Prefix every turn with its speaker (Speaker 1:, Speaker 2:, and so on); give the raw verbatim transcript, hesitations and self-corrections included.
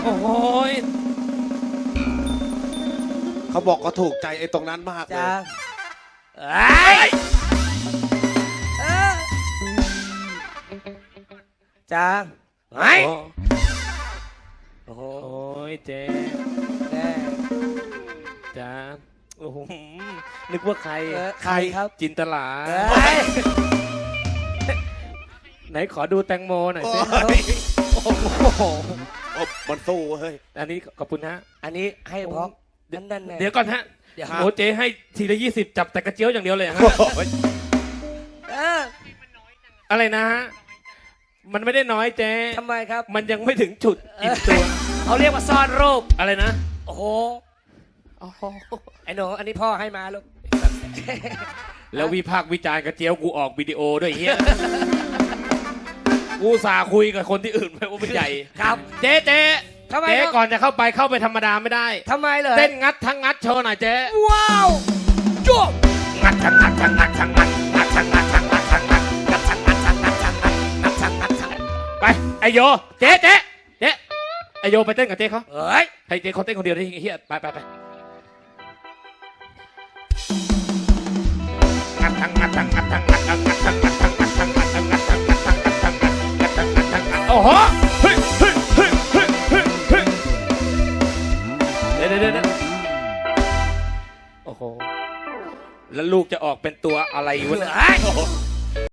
Speaker 1: โอ้ย
Speaker 2: เขาบอกเขาถูกใจไอ้ตรงนั้นมากเลย
Speaker 3: จ้าเอ้ยเออจ้าไอ้โอ้โห
Speaker 1: โอ้ยเจ๊
Speaker 3: แน่
Speaker 1: จ้าโอ้โหนึกว่าใคร
Speaker 3: เออใครครับ
Speaker 1: จินตลา
Speaker 3: เอ้ย
Speaker 1: ไหนขอดูแตงโมหน่อยสิ
Speaker 2: โอ้โห
Speaker 1: โอ้โห
Speaker 2: โอ้มันสู้เฮ้ย
Speaker 1: อันนี้ขอบคุณฮะ
Speaker 3: อันนี้ให้เพราะนั่นนั่นแน่
Speaker 1: เดี๋ยวก่อนฮะ
Speaker 3: เดี๋ยว
Speaker 1: โอ้เจ๊ให้ทีละยี่สิบจับแต่กระเจียวอย่างเดียวเลยฮะ
Speaker 3: เออ
Speaker 1: อะไรนะฮะมันไม่ได้น้อยเจ๊
Speaker 3: ทำไมครับ
Speaker 1: มันยังไม่ถึงจุดอิ่มตัว
Speaker 3: เขาเรียกว่าซ่อนรูป
Speaker 1: อะไรนะ
Speaker 3: โอ้โห
Speaker 1: โอ้โห
Speaker 3: ไอ้หนูอันนี้พ่อให้มาลูก
Speaker 1: แล้ววิพากษ์วิจารณ์กระเจียวกูออกวิดีโอด้วยเฮียกูสาคุยกับคนที่อื่นไปว่าเป็นใหญ่
Speaker 3: ครับ
Speaker 1: เจ๊เจ๊
Speaker 3: ทำไม
Speaker 1: เจ๊
Speaker 3: ครับ
Speaker 1: ก่อนจะเข้าไปเข้าไปธรรมดาไม่ได้
Speaker 3: ทำไมเลย
Speaker 1: เต้นงัดทั้งงัดโชว์หน่อยเจ๊
Speaker 3: ว้าวจุ๊บ
Speaker 1: งัดทั้งงัดทั้งงัดทั้งงัดงัดทั้งงัดทั้งงัดทั้งงัดงัดทั้งงัดทั้งงัดทั้งงัดงัดทั้งงัดทั้งไปไอโยเจ๊เจ๊เจ๊ไอโยไปเต้นกับเจ๊เขา
Speaker 3: เฮ้ย
Speaker 1: ให้เจ๊เขาเต้นคนเดียวได้เฮียไปไปไปงัดทั้งงัดทั้งงัดทั้งงัดทั้งงัดทั้งงัดทั้งงัดทั้งงัดทั้งงัดทั้งงัดทั้งงัดทั้งงัดทั้งงัดทั้งงัดทั้งงัดโอ้โหเฮ้ยเฮ้ยเฮ้ยเฮ้ยเฮ้ยเฮ้ยเดี๋ยวเดี๋ยวเดี๋ยวโอ้โหแล้วลูกจะออกเป็นตัวอะไรวะเนี่ย
Speaker 3: เฮ้ย